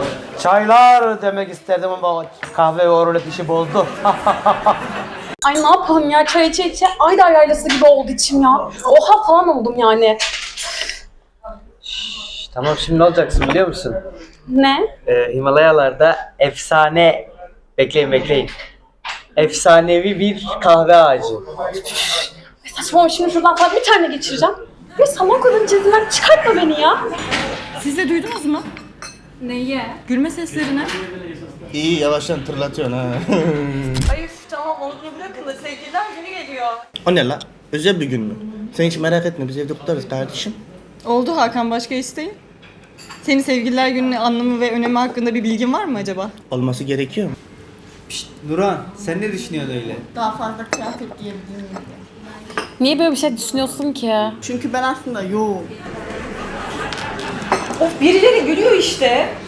Çaylar demek isterdim ama kahve o rulet işi bozdu. Ay ne yapalım ya, çay içe içe Aydar yaylası gibi oldu içim ya. Oha falan oldum yani. Tamam, şimdi ne olacaksın biliyor musun? Ne? Himalayalarda efsane, bekleyin. Efsanevi bir kahve ağacı. Saçmalama, şimdi şuradan falan bir tane geçireceğim. Ve saman kadın cildinden çıkartma beni ya. Siz de duydunuz mu? Neyi? Gülme seslerini. İyi yavaştan tırlatıyorsun ha. Ay tamam onu bırakın da sevgililer günü geliyor. O ne la? Özel bir gün mü? Sen hiç merak etme, biz evde kutlarız kardeşim. Oldu Hakan, başka isteğin? Senin sevgililer gününün anlamı ve önemi hakkında bir bilgin var mı acaba? Olması gerekiyor mu? Nurhan, sen ne düşünüyorsun öyle? Daha fazla kıyafet giyebilir miyim diye. Niye böyle bir şey düşünüyorsun ki? Çünkü ben aslında yoğum. Of birileri gülüyor işte.